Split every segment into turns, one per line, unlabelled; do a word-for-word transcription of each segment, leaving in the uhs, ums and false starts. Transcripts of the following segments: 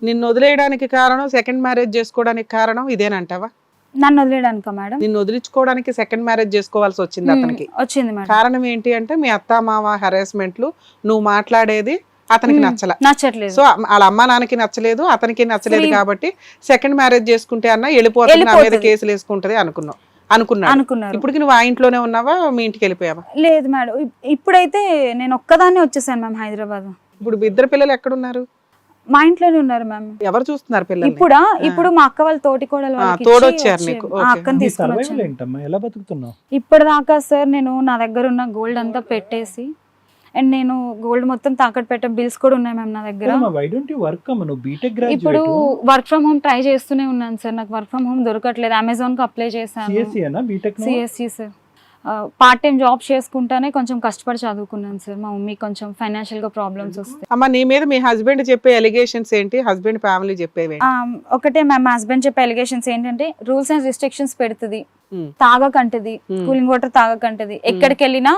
నిన్ను వదిలేయడానికి కారణం, second marriage చేసుకోవడానికి కారణం ఇదేనంటావా?
నన్ను వదిలేయడానికా మేడం?
నిన్ను వదిలించుకోవడానికి సెకండ్ మ్యారేజ్ చేసుకోవాల్సి వచ్చింది అతనికి.
వచ్చింది మేడం.
కారణం ఏంటి అంటే మీ అత్త మామ హెరాస్మెంట్లు, నువ్వు మాట్లాడేది అతనికి నచ్చల,
నచ్చట్లేదు.
సో వాళ్ళ అమ్మ నాన్నకి నచ్చలేదు, అతనికి నచ్చలేదు కాబట్టి సెకండ్ మ్యారేజ్ చేసుకుంటే అన్న వెళ్ళిపోతుంది, నా మీద కేసులు వేసుకుంటది అనుకున్నావు అనుకున్నాను
అనుకున్నారు.
ఇప్పటికి నువ్వు ఆ ఇంట్లోనే ఉన్నావా, మీ ఇంటికి వెళ్ళిపోయావా?
లేదు మేడం, ఇప్పుడైతే నేను ఒక్కదాన్నే వచ్చేసాను మ్యామ్ హైదరాబాద్.
ఇప్పుడు ఇద్దరు పిల్లలు ఎక్కడున్నారు?
మా ఇంట్లోనే ఉన్నారు మ్యామ్.
ఎవరు చూస్తున్నారు పిల్లలు?
ఇప్పుడు ఇప్పుడు మా అక్క వాళ్ళ తోటి కోడలు
తోడొచ్చారు నీకు.
అక్కని తీసుకుని
ఎలా బతుకుతున్నావు
ఇప్పటిదాకా? సార్ నేను నా దగ్గర ఉన్న గోల్డ్ అంతా పెట్టేసి, అండ్ నేను గోల్డ్ మొత్తం తాకట్టు పెట్టే బిల్స్ కూడా ఉన్నాయి మ్యామ్ నా దగ్గర. ఇప్పుడు వర్క్ ఫ్రమ్ హోమ్ ట్రై చేస్తూనే ఉన్నాను సార్, నాకు వర్క్ ఫ్రమ్ హోమ్ దొరకట్లేదు. అమెజాన్ కి అప్లై చేశాను, CSC sir. Part time job చేసుకుంటానే కొంచెం కష్టపడి చదువుకున్నాను సార్. మా మమ్మీ కొంచెం ఫైనాన్షియల్ గా ప్రాబ్లమ్స్ వస్తాయి.
అమ్మ నీ మీద మీ హస్బెండ్ చెప్పే ఎలిగేషన్స్ ఏంటి? హస్బెండ్ ఫ్యామిలీ చెప్పేవి
ఒకటే మ్యామ్, హస్బెండ్ చెప్పే ఎలిగేషన్స్ ఏంటంటే రూల్స్ అండ్ రిస్ట్రిక్షన్స్ పెడుతుంది, తాగకంటది, కూలింగ్ వాటర్ తాగకంటది, ఎక్కడికి వెళ్ళినా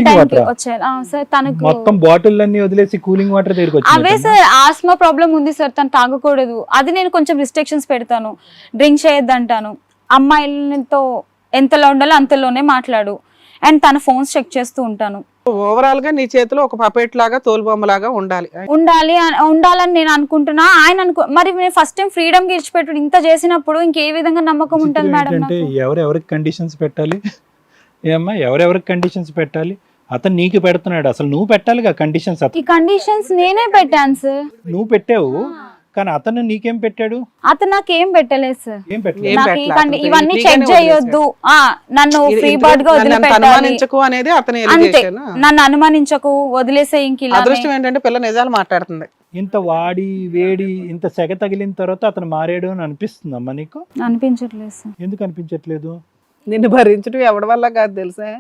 అవే సార్. ఆస్మా ప్రాబ్లం ఉంది సార్, తను తాగకూడదు, అది నేను కొంచెం రిస్ట్రిక్షన్స్ పెడతాను. డ్రింక్ చేయొద్దు అంటాను, అమ్మాయిలతో ఎంతలో ఉండాలో అంతలోనే మాట్లాడు, అండ్ తన ఫోన్స్ చెక్ చేస్తూ ఉంటాను.
ఓవరాల్ గా నీ చేతిలో ఒక పపెట్ లాగా, తోలుబొమ్మ లాగా ఉండాలి
ఉండాలి ఉండాలని నేను అనుకుంటున్నా. ఆయన అనుకో మరి నేను ఫస్ట్ టైం ఫ్రీడమ్ గెలిచిపెట్టు ఇంత చేసినప్పుడు ఇంకే విధంగా నమ్మకం ఉంటుంది మేడం?
ఎవరెవరికి కండిషన్స్ పెట్టాలి ఏమ్మా, ఎవరెవరికి కండిషన్స్ పెట్టాలి? అతను నీకు పెడుతున్నాడు, అసలు నువ్వు పెట్టాలిగా కండిషన్స్.
ఈ కండిషన్స్ నేనే పెట్టాను సార్.
నువ్వు పెట్టావు కానీ అతను నీకేం పెట్టాడు?
అతను నాకేం పెట్టలేదు సార్.
ఏం పెట్టలేదు.
ఇవన్నీ చెక్ చేయొద్దు, నన్ను ఫ్రీ బర్డ్ గా వదిలిపెట్టాలి
అనేది అతని
అంతే. నన్ను అనుమానించకు, వదిలేసే. ఇంక
అదృష్టం ఏంటంటే పిల్ల నిజాలు మాట్లాడుతుంది.
ఇంత వాడి వేడి ఇంత సెగ తగిలిన తర్వాత అతను మారాడు అని అనిపిస్తుందమ్మా నీకు?
అనిపించట్లేదు సార్.
ఎందుకు అనిపించట్లేదు?
నిన్ను భరించడం ఎవరి వల్ల కాదు తెలుసా?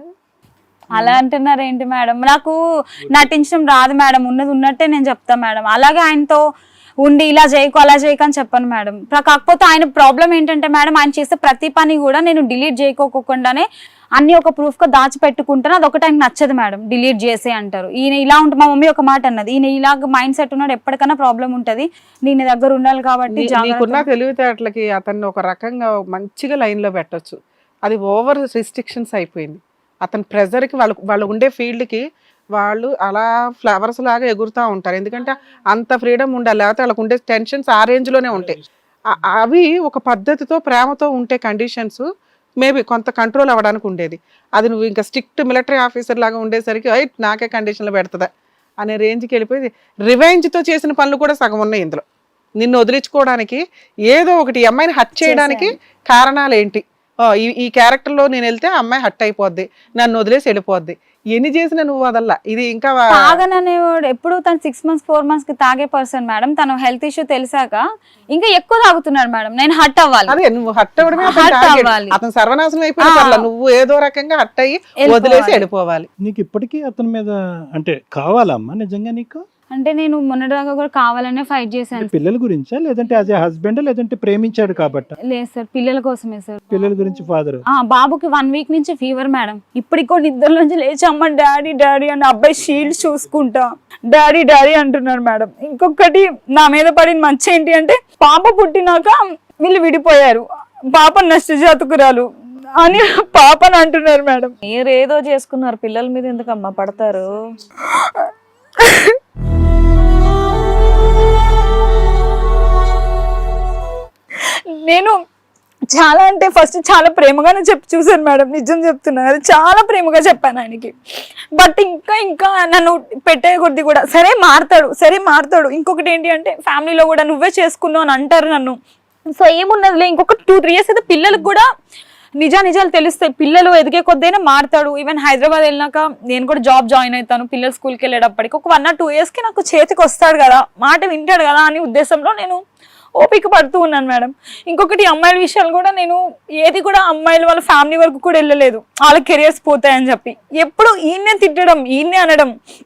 అలా అంటున్నారు ఏంటి మేడం? నాకు నటించడం రాదు మేడం, ఉన్నది ఉన్నట్టే నేను చెప్తా మేడం. అలాగే ఆయనతో ఉండి ఇలా చేయకు అలా చేయకు అని చెప్పాను మేడం. కాకపోతే ఆయన ప్రాబ్లం ఏంటంటే మేడం, ఆయన చేసే ప్రతి పని కూడా నేను డిలీట్ చేయకోకుండానే అన్ని ఒక ప్రూఫ్ గా దాచిపెట్టుకుంటాను. అది ఒకటి ఆయనకు నచ్చదు మేడం, డిలీట్ చేసే అంటారు. ఈయన ఇలా ఉంటుంది, మా మమ్మీ ఒక మాట అన్నది, ఈయన ఇలాగ మైండ్ సెట్ ఉన్నాడు, ఎప్పటికైనా ప్రాబ్లం ఉంటది, నేను దగ్గర ఉండాలి కాబట్టి.
నీకున్న తెలివితేటలకి అతన్ని ఒక రకంగా మంచిగా లైన్ లో పెట్టొచ్చు. అది ఓవర్ రిస్ట్రిక్షన్స్ అయిపోయింది. అతని ప్రెజర్కి వాళ్ళు వాళ్ళు ఉండే ఫీల్డ్కి వాళ్ళు అలా ఫ్లవర్స్ లాగా ఎగురుతూ ఉంటారు. ఎందుకంటే అంత ఫ్రీడమ్ ఉండాలి, లేకపోతే వాళ్ళకు ఉండే టెన్షన్స్ ఆ రేంజ్లోనే ఉంటాయి. అవి ఒక పద్ధతితో ప్రేమతో ఉంటే కండిషన్స్ మేబీ కొంత కంట్రోల్ అవ్వడానికి ఉండేది. అది నువ్వు ఇంకా స్ట్రిక్ట్ మిలిటరీ ఆఫీసర్ లాగా ఉండేసరికి అయి నాకే కండిషన్లు పెడుతుందా అనే రేంజ్కి వెళ్ళిపోయి రివెంజ్తో చేసిన పనులు కూడా సగం ఉన్నాయి ఇందులో. నిన్ను వదిలించుకోవడానికి ఏదో ఒకటి అమ్మాయిని హట్ చేయడానికి కారణాలు ఏంటి? ఈ ఈ క్యారెక్టర్లో నేను వెళ్తే అమ్మాయి హట్ అయిపోద్ది, నన్ను వదిలేసి వెళ్ళిపోద్ది, ఎన్ని చేసినా నువ్వు వదల్లా. ఇది ఇంకా
తాగననేవాడు ఎప్పుడు తను సిక్స్ మంత్స్ ఫోర్ మంత్స్ కి తాగే పర్సన్ మేడం. తను హెల్త్ ఇష్యూ తెలిసాక ఇంకా ఎక్కువ తాగుతున్నాడు మేడం. నేను హట్ అవ్వాలి.
అదే నువ్వు హట్ అవ్వడమే అవ్వాలి. అతను సర్వనాశనం అయిపోయిన నువ్వు ఏదో రకంగా హట్ అయ్యి వదిలేసి వెళ్ళిపోవాలి.
నీకు ఇప్పటికీ అతని మీద అంటే కావాలమ్మా నిజంగా నీకు?
అంటే నేను మొన్నటిదాకా కూడా కావాలనే ఫైట్ చేశాను.
పిల్లల గురించా లేదంటే యాజ్ ఏ హస్బెండ్ లేదంటే ప్రేమించాడు కాబట్టి?
లేదు సార్, పిల్లల కోసమే సార్.
పిల్లల గురించి ఫాదర్
బాబుకి వన్ వీక్ నుంచి ఫీవర్ మేడం. ఇప్పటికో నిద్ర నుంచి లేచి అమ్మ డాడీ డాడీ అని అబ్బాయి షీల్డ్ చూసుకుంటా డాడీ డాడీ అంటున్నాడు మేడం. ఇంకొకటి నా మీద పడిన మంచి ఏంటి అంటే పాప పుట్టినాక వీళ్ళు విడిపోయారు, పాప నష్టజాతకురాలు అని పాపని అంటున్నారు మేడం.
మీరు ఏదో చేసుకున్నారు, పిల్లల మీద ఎందుకమ్మా పడతారు?
నేను చాలా అంటే ఫస్ట్ చాలా ప్రేమగానే చెప్పి చూసాను మేడం, నిజం చెప్తున్నా కదా, చాలా ప్రేమగా చెప్పాను ఆయనకి. బట్ ఇంకా ఇంకా నన్ను పెట్టే కొద్ది కూడా సరే మారుతాడు సరే మారుతాడు. ఇంకొకటి ఏంటి అంటే ఫ్యామిలీలో కూడా నువ్వే చేసుకున్నావు అని అంటారు నన్ను. సో ఏమున్నదిలే, ఇంకొక టూ త్రీ ఇయర్స్ అయితే పిల్లలకు కూడా నిజా నిజాలు తెలుస్తాయి. పిల్లలు ఎదిగే కొద్దైనా మారుతాడు. ఈవెన్ హైదరాబాద్ వెళ్ళినాక నేను కూడా జాబ్ జాయిన్ అవుతాను, పిల్లలు స్కూల్కి వెళ్ళేటప్పటికి ఒక వన్ ఆర్ టూ ఇయర్స్ కి నాకు చేతికి వస్తాడు కదా, మాట వింటాడు కదా అని ఉద్దేశంలో నేను ఓపిక పడుతూ ఉన్నాను మేడం. ఇంకొకటి అమ్మాయిల విషయాలు కూడా నేను ఏది కూడా అమ్మాయిలు వాళ్ళ ఫ్యామిలీ వరకు కూడా వెళ్ళలేదు, వాళ్ళ కెరియర్స్ పోతాయని చెప్పి. ఎప్పుడు ఈయన్నే తిట్టడం ఈయన్నే అనడం,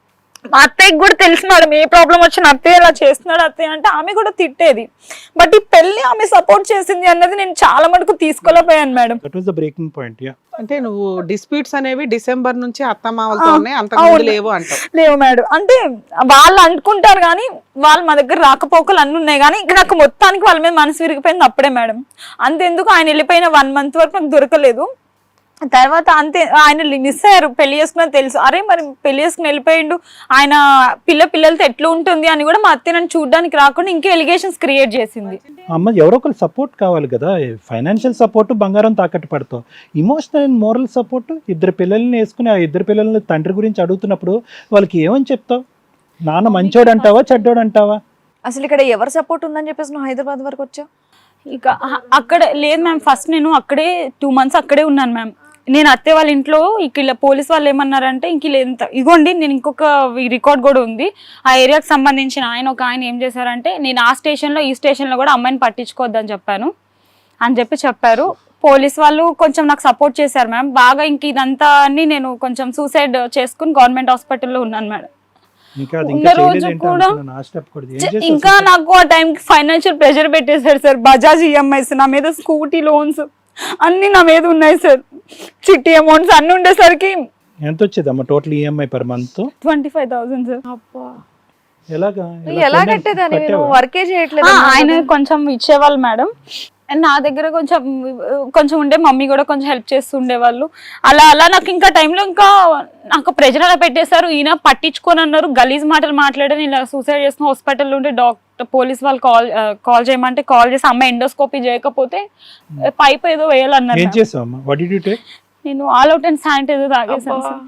మా అత్తయ్యకి కూడా తెలుసు మేడం ఏ ప్రాబ్లం వచ్చిన అత్తయ్య ఇలా చేస్తున్నాడు అత్తయ్య అంటే ఆమె కూడా తిట్టేది. బట్ ఈ పెళ్లి ఆమె సపోర్ట్ చేసింది అన్నది నేను చాలా మటుకు తీసుకోలేకపోయాను madam.
That was the breaking point. Yeah,
అంటే నువ్వు డిస్ప్యూట్స్ అనేవి డిసెంబర్ నుంచి అత్తమామలతో ఉన్నాయి, అంతకుముందు లేవు అంటావు.
లేవు మేడం, అంటే వాళ్ళు అనుకుంటారు కానీ వాళ్ళు మా దగ్గర రాకపోకలు అన్ని ఉన్నాయి కానీ ఇంకా నాకు మొత్తానికి వాళ్ళ మీద మనసు విరిగిపోయింది అప్పుడే మేడం. అంతెందుకు ఆయన వెళ్ళిపోయిన వన్ మంత్ వరకు నాకు దొరకలేదు. తర్వాత అంతే ఆయన మిస్ అయ్యారు, పెళ్లి చేసుకున్నా తెలుసు. అరే మరి పెళ్లి చేసుకుని వెళ్ళిపోయిండు, ఆయన పిల్ల పిల్లలతో ఎట్లా ఉంటుంది అని కూడా మా అత్తయ్య నన్ను చూడడానికి రాకుండా ఇంకా ఎలిగేషన్స్ క్రియేట్ చేసింది.
అమ్మ ఎవరో ఒకరు సపోర్ట్ కావాలి కదా. ఫైనాన్షియల్ సపోర్ట్ బంగారం తాకట్టు పడతావు, ఇమోషనల్ అండ్ మోరల్ సపోర్ట్. ఇద్దరు పిల్లల్ని వేసుకుని ఆ ఇద్దరు పిల్లల్ని తండ్రి గురించి అడుగుతున్నప్పుడు వాళ్ళకి ఏమని చెప్తావు? నాన్న మంచోడు అంటావా చెడ్డోడు అంటావా?
అసలు ఇక్కడ ఎవరు సపోర్ట్ ఉందని చెప్పేసి నువ్వు హైదరాబాద్ వరకు వచ్చావు?
ఇక అ- అక్కడ లేదు మ్యామ్, ఫస్ట్ నేను అక్కడే టూ మంత్స్ అక్కడే ఉన్నాను మ్యామ్. నేను అత్తే వాళ్ళ ఇంట్లో ఇక ఇలా పోలీస్ వాళ్ళు ఏమన్నారంటే ఇంక ఇలా ఎంత ఇగోండి, నేను ఇంకొక రికార్డ్ కూడా ఉంది ఆ ఏరియాకి సంబంధించిన ఆయన ఒక ఆయన ఏం చేశారంటే నేను ఆ స్టేషన్లో ఈ స్టేషన్లో కూడా అమ్మాయిని పట్టించుకోవద్దని చెప్పాను అని చెప్పి చెప్పారు. పోలీస్ వాళ్ళు కొంచెం నాకు సపోర్ట్ చేశారు మ్యామ్ బాగా. ఇంక ఇదంతా అని నేను కొంచెం సూసైడ్ చేసుకుని గవర్నమెంట్ హాస్పిటల్లో ఉన్నాను మేడం.
ఇంకా అది
ఉన్న
ఇంకా
రోజు
చేయలేదేంటి
కూడా
అనుకున్నాను, ఆ step కూడా. ఏం చేసావు
ఇంకా
అసలు?
నాకు ఆ టైంకి ఫైనాన్షియల్ ప్రెషర్ పెట్టేశారు సార్. బజాజ్ ఈఎంఐస్ నా మీద, స్కూటీ లోన్స్ అన్ని నా మీద ఉన్నాయి సార్. చిట్టి అమౌంట్స్ అన్ని ఉండేసరికి
ఎంత వచ్చేదమ్మా total EMI per month?
Twenty five thousand sir.
ఎలాగా
నువ్వు ఎలా కట్టేదాన్ని? నువ్వు వర్కే చేయట్లేదు.
ఆ, ఆయన కొంచెం ఇచ్చేవాళ్ళు మేడం. అండ్ నా దగ్గర కొంచెం కొంచెం ఉండే, మమ్మీ కూడా కొంచెం హెల్ప్ చేస్తూ ఉండేవాళ్ళు. అలా అలా నాకు ఇంకా టైంలో ఇంకా నాకు ప్రెజర్ అలా పెట్టేశారు. ఈయన పట్టించుకొని అన్నారు, గలీజ్ మాటలు మాట్లాడని ఇలా సూసైడ్ చేసుకుని హాస్పిటల్లో ఉంటే డాక్టర్ పోలీస్ వాళ్ళు కాల్ కాల్ చేయమంటే కాల్ చేసి అమ్మాయి ఎండోస్కోపీ చేయకపోతే పైప్ ఏదో వేయాలన్నారు.
ఏం చేసావు అమ్మా? What did you take?
నేను ఆల్ అవుట్ అండ్ శానిటైజర్ తాగేసాను సార్.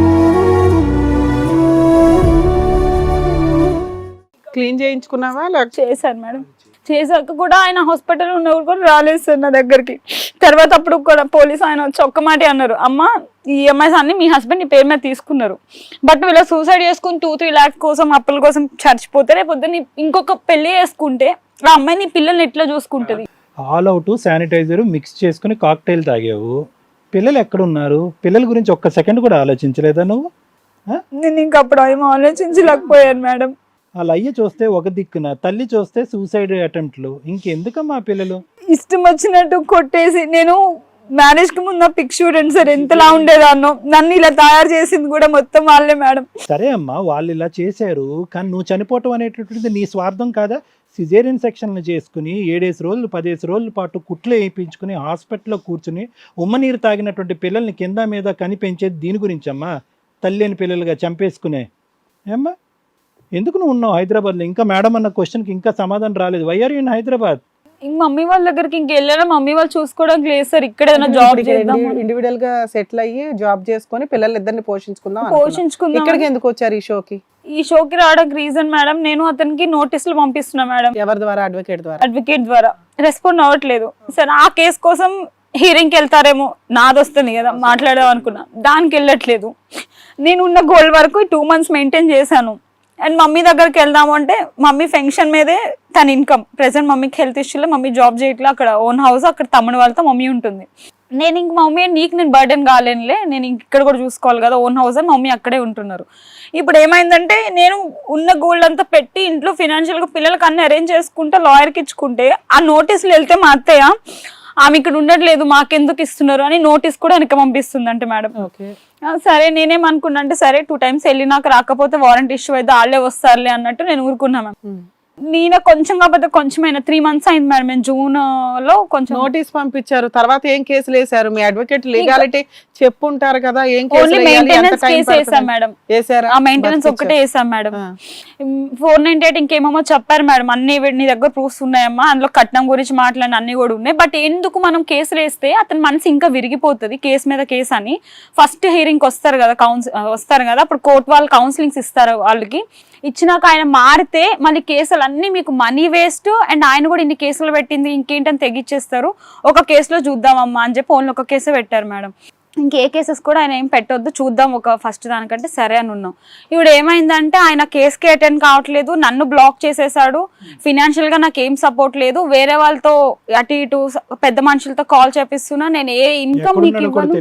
క్లీన్ చేయించుకున్నావా లేకపోతే
చేశాను మేడం. చేశాక కూడా ఆయన హాస్పిటల్ ఉన్నప్పుడు కూడా రాలేదు సార్ నా దగ్గరికి. తర్వాత అప్పుడు కూడా పోలీస్ ఆయన వచ్చి ఒక్క మాట అన్నారు, అమ్మ ఈ ఈఎంఐస్ అన్ని మీ హస్బెండ్ నీ పేరు మీద తీసుకున్నారు, బట్ వీళ్ళ సూసైడ్ చేసుకుని టూ త్రీ ల్యాక్స్ కోసం అప్పుల కోసం చచ్చిపోతే రేపు నీ ఇంకొక పెళ్లి చేసుకుంటే ఆ అమ్మాయి నీ పిల్లల్ని ఎట్లా చూసుకుంటది?
ఆల్ అవుట్ శానిటైజర్ మిక్స్ చేసుకుని కాక్టైల్ తాగావు. పిల్లలు ఎక్కడున్నారు? పిల్లల గురించి ఒక్క సెకండ్ కూడా ఆలోచించలేదా నువ్వు?
నేను ఇంక అప్పుడు ఏమో ఆలోచించలేకపోయాను మేడం.
వాళ్ళ అయ్య చూస్తే ఒక దిక్కున, తల్లి చూస్తే సూసైడ్ అటెంప్ట్లు. ఇంకెందుకమ్మా పిల్లలు?
ఇష్టం వచ్చినట్టు కొట్టేసి, నేను మ్యారేజ్ కి ముందు పిక్ చూడండి సార్ ఎంతలా ఉండేదాన్నో, నన్ను ఇలా తయారు చేసింది కూడా మొత్తం వాళ్ళే మేడం.
సరే అమ్మా, వాళ్ళు ఇలా చేశారు, కానీ నువ్వు చనిపోవటం అనేటటువంటిది నీ స్వార్థం కాదా? సిజేరియన్ సెక్షన్లు చేసుకుని ఏడేసి రోజులు పదేసి రోజుల పాటు కుట్లు వేయించుకుని హాస్పిటల్లో కూర్చుని ఉమ్మనీరు తాగినటువంటి పిల్లల్ని కింద మీద కనిపించేది దీని గురించి అమ్మా? తల్లి అని పిల్లలుగా చంపేసుకునే ఏమ్మా? ఎందుకు నువ్వు ఉన్నావు హైదరాబాద్లో? ఇంకా మేడం అన్న క్వశ్చన్కి ఇంకా సమాధానం రాలేదు. Why are you in Hyderabad?
ఇంక మమ్మీ వాళ్ళ దగ్గరికి ఇంక వెళ్ళారా, మమ్మీ వాళ్ళు చూసుకోవడానికి లేదు సార్. ఇక్కడ ఏదైనా జాబ్ చేద్దాం,
ఇండివిడువల్ గా సెటిల్ అయ్యి జాబ్ చేసుకొని పిల్లలు ఇద్దరిని పోషించుకుందాం
పోషించుకుందాం.
ఇక్కడికి ఎందుకు వచ్చారు ఈ షోకి?
ఈ షోకి రావడానికి రీజన్ మేడం, నేను అతనికి నోటీసులు పంపిస్తున్నా మేడం,
ఎవరి ద్వారా? అడ్వకేట్ ద్వారా.
అడ్వకేట్ ద్వారా. రెస్పాండ్ అవ్వట్లేదు సార్. ఆ కేసు కోసం హీరింగ్కి వెళ్తారేమో, నాది వస్తుంది కదా మాట్లాడదాం అనుకున్నా, దానికి వెళ్ళట్లేదు. నేను ఉన్న గోల్ వరకు టూ మంత్స్ మెయింటైన్ చేశాను. అండ్ మమ్మీ దగ్గరికి వెళ్దాము అంటే మమ్మీ ఫంక్షన్ మీదే తన ఇన్కమ్. ప్రెసెంట్ మమ్మీకి హెల్త్ ఇష్యూలో మమ్మీ జాబ్ చేయట్లే, అక్కడ ఓన్ హౌస్, అక్కడ తమ్ముడు వాళ్ళతో మమ్మీ ఉంటుంది. నేను ఇంక మమ్మీ నీకు నేను బర్డెన్ కాలేనులే, నేను ఇంక ఇక్కడ కూడా చూసుకోవాలి కదా ఓన్ హౌస్ అని మమ్మీ అక్కడే ఉంటున్నారు. ఇప్పుడు ఏమైందంటే నేను ఉన్న గోల్డ్ అంతా పెట్టి ఇంట్లో ఫినాన్షియల్గా పిల్లలకి అన్ని అరేంజ్ చేసుకుంటే లాయర్కి ఇచ్చుకుంటే ఆ నోటీసులు వెళ్తే మా అత్తయ్య ఆమె ఇక్కడ ఉండట్లేదు మాకెందుకు ఇస్తున్నారు అని నోటీస్ కూడా వెనక పంపిస్తుంది అంటే మేడం. సరే నేనేమనుకున్నా అంటే సరే టూ టైమ్స్ వెళ్ళి నాకు రాకపోతే వారంటీ ఇష్యూ అయితే వాళ్ళే వస్తారులే అన్నట్టు నేను ఊరుకున్నా మ్యామ్. నేను కొంచెం కాకపోతే కొంచెమైనా త్రీ మంత్స్ అయింది మేడం. నేను జూన్ లో కొంచెం
నోటీస్ పంపించారు, తర్వాత ఏం కేసులు వేసారు? మీ అడ్వకేట్ లీగాలిటీ చెప్పుంటారు కదా, ఏం
ఓన్లీ మెయింటెనెన్స్ కేసు వేసాం మేడం. ఆ మెయింటెనెన్స్ ఒక్కటే వేసాం మేడం. ఫోర్ నైన్టీ ఎయిట్ ఇంకేమో చెప్పారు మేడం, అన్ని నీ దగ్గర ప్రూఫ్స్ ఉన్నాయమ్మా, అందులో కట్నం గురించి మాట్లాడిన అన్ని కూడా ఉన్నాయి. బట్ ఎందుకు మనం కేసులు వేస్తే అతని మనసు ఇంకా విరిగిపోతుంది, కేసు మీద కేసు అని. ఫస్ట్ హీరింగ్ వస్తారు కదా కౌన్సిల్ వస్తారు కదా, అప్పుడు కోర్టు వాళ్ళు కౌన్సిలింగ్స్ ఇస్తారు. వాళ్ళకి ఇచ్చినాక ఆయన మారితే మళ్ళీ కేసులు అన్ని మీకు మనీ వేస్ట్, అండ్ ఆయన కూడా ఇన్ని కేసులు పెట్టింది ఇంకేంటని తెగిచ్చేస్తారు. ఒక కేసులో చూద్దామమ్మా అని చెప్పి ఓన్లీ ఒక కేసు పెట్టారు మేడం. ఇంకే కేసెస్ కూడా ఆయన ఏం పెట్టొద్దు, చూద్దాం ఒక ఫస్ట్ దానికంటే సరే అని ఉన్నాం. ఇప్పుడు ఏమైందంటే ఆయన కేసుకి అటెండ్ కావట్లేదు, నన్ను బ్లాక్ చేసేసాడు, ఫినాన్షియల్ గా నాకు ఏం సపోర్ట్ లేదు, వేరే వాళ్ళతో అటు ఇటు పెద్ద మనుషులతో కాల్ చేపిస్తున్నా, నేను ఏ ఇన్కమ్ నీకు ఇవ్వను.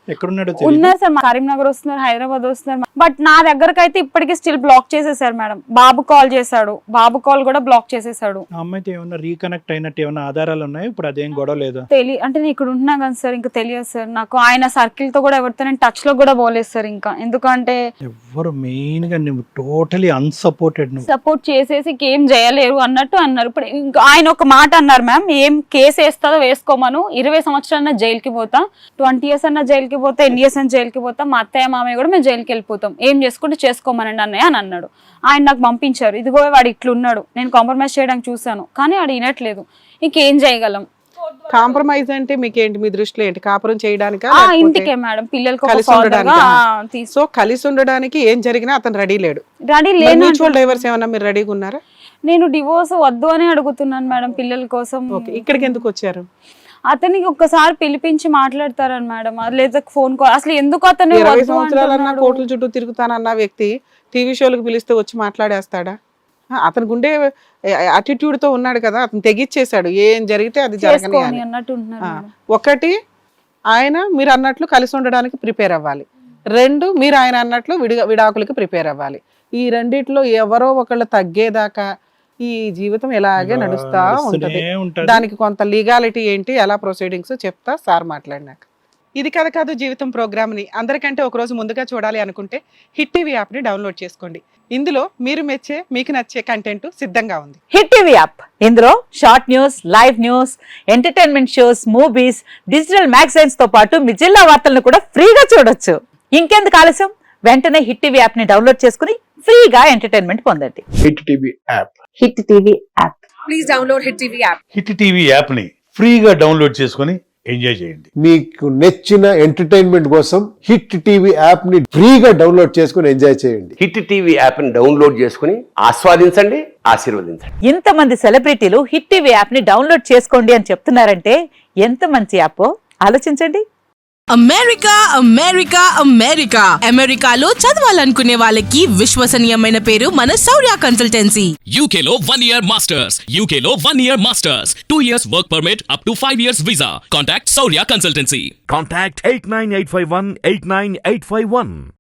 ఉన్నారు సార్, కరీంనగర్ వస్తున్నారు, హైదరాబాద్ వస్తున్నారు, బట్ నా దగ్గరకు అయితే ఇప్పటికీ స్టిల్ బ్లాక్ చేసేసారు మేడం. బాబు కాల్ చేశాడు, బాబు కాల్ కూడా బ్లాక్ చేసేసాడు.
అమ్మాయితో ఏమన్నా రీకనెక్ట్ అయినట్టు ఏమన్నా ఆధారాలు ఉన్నాయి? ఇప్పుడు అదేం గొడవ లేదు
తెలియ అంటే నేను ఇక్కడ ఉంటున్నా కదా సార్, ఇంకా తెలియదు సార్ నాకు. ఆయన సర్కిల్ తో కూడా ఎవరితో నేను టచ్ లో కూడా పోలేదు సార్ ఇంకా, ఎందుకంటే
ఎవరు మెయిన్ గా నువ్వు టోటలీ అన్సపోర్టెడ్,
సపోర్ట్ చేసేసి ఏం చేయలేరు అన్నట్టు అన్నారు. ఇప్పుడు ఇంకా ఆయన ఒక మాట అన్నారు, మ్యామ్ ఏం కేసు వేస్తుందో వేసుకోమను, ఇరవై సంవత్సరాలన్నా జైలుకి పోతా, ట్వంటీ ఇయర్స్ అన్నా జైలుకి పోతా, ఎన్ని ఇయర్స్ అన్నా జైలుకి పోతా, మా అత్తయ్య మామయ్య కూడా మేము జైలుకి వెళ్ళిపోతాం, ఏం చేసుకుంటే చేసుకోమనండి అన్నయ్య అని అన్నాడు. ఆయన నాకు పంపించారు, ఇదిగో వాడు ఇట్లున్నాడు, నేను కాంప్రమైజ్ చేయడానికి చూసాను కానీ వాడు వినట్లేదు, ఇంకేం చేయగలం.
కాంప్రమైజ్ అంటే మీకేంటి, మీ దృష్టిలో ఏంటి? కాపురం చేయడానికి
ఇంటికే మేడం, పిల్లలకి
కలిసి ఉండడానికి. సో కలిసి ఉండడానికి ఏం జరిగినా అతను రెడీ లేడు.
రెడీ లేదు.
మ్యూచువల్ డైవర్స్ ఏమన్నా మీరు రెడీగా ఉన్నారా?
నేను డివోర్స్ వద్దు అని అడుగుతున్నాను మేడం పిల్లల కోసం.
ఇక్కడికి ఎందుకు వచ్చారు?
అతనికి ఒక్కసారి పిలిపించి మాట్లాడతారని మేడం, లేదా ఫోన్ కాల్, అసలు ఎందుకు అతను
ఇరవై సంవత్సరాలన్నా కోట్ల చుట్టూ తిరుగుతానన్న వ్యక్తి టీవీ షోలకు పిలిస్తే వచ్చి మాట్లాడేస్తాడా? అతనికి ఉండే అటిట్యూడ్ తో ఉన్నాడు కదా, అతను తెగిచ్చేసాడు, ఏం జరిగితే అది జరగని
అన్నట్టు.
ఒకటి, ఆయన మీరు అన్నట్లు కలిసి ఉండడానికి ప్రిపేర్ అవ్వాలి. రెండు, మీరు ఆయన అన్నట్లు విడి విడాకులకి ప్రిపేర్ అవ్వాలి. ఈ రెండిట్లో ఎవరో ఒకళ్ళు తగ్గేదాకా ఈ జీవితం ఇలాగే నడుస్తా ఉంటది. దానికి కొంత లీగాలిటీ ఏంటి, ఎలా ప్రొసీడింగ్స్ చెప్తా సార్ మాట్లాడినాక. ఇది కథ కాదు జీవితం ప్రోగ్రామ్ ని అందరికంటే ఒక రోజు ముందుగా చూడాలి అనుకుంటే హిట్ టీవీ యాప్ ని డౌన్లోడ్ చేసుకోండి. ఇందులో మీరు మెచ్చే మీకు నచ్చే కంటెంట్ సిద్ధంగా ఉంది.
హిట్ టీవీ యాప్, ఇందులో short news, live news, entertainment shows, movies, digital magazines తో పాటు మీ జిల్లా వార్తలను కూడా ఫ్రీగా చూడొచ్చు. ఇంకెందుకు ఆలస్యం, వెంటనే హిట్ టీవీ యాప్ ని డౌన్లోడ్ చేసుకుని ఫ్రీగా ఎంటర్టైన్మెంట్ పొందండి.
Hit TV app.
Hit TV app.
Please download hit TV app.
Hit TV app ని ఫ్రీగా డౌన్లోడ్ చేసుకుని ఎంజాయ్ చేయండి.
మీకు నచ్చిన ఎంటర్టైన్మెంట్ కోసం హిట్ టీవీ యాప్ ని ఫ్రీగా డౌన్లోడ్ చేసుకుని ఎంజాయ్ చేయండి.
హిట్ టీవీ యాప్ ని డౌన్లోడ్ చేసుకుని ఆస్వాదించండి, ఆశీర్వదించండి.
ఇంతమంది సెలబ్రిటీలు హిట్ టీవీ యాప్ ని డౌన్లోడ్ చేసుకోండి అని చెప్తున్నారంటే ఎంత మంచి యాప్ ఆలోచించండి.
అమెరికా అమెరికా అమెరికా అమెరికాలో చదవాలనుకునే వాళ్ళకి విశ్వసనీయమైన పేరు మన శౌర్య కన్సల్టెన్సీ.
యూకేలో వన్ ఇయర్ మాస్టర్స్, యూకేలో one year masters, two years work permit, up to five years visa. Contact Shaurya consultancy.
Contact eight nine eight five one eight nine eight five one.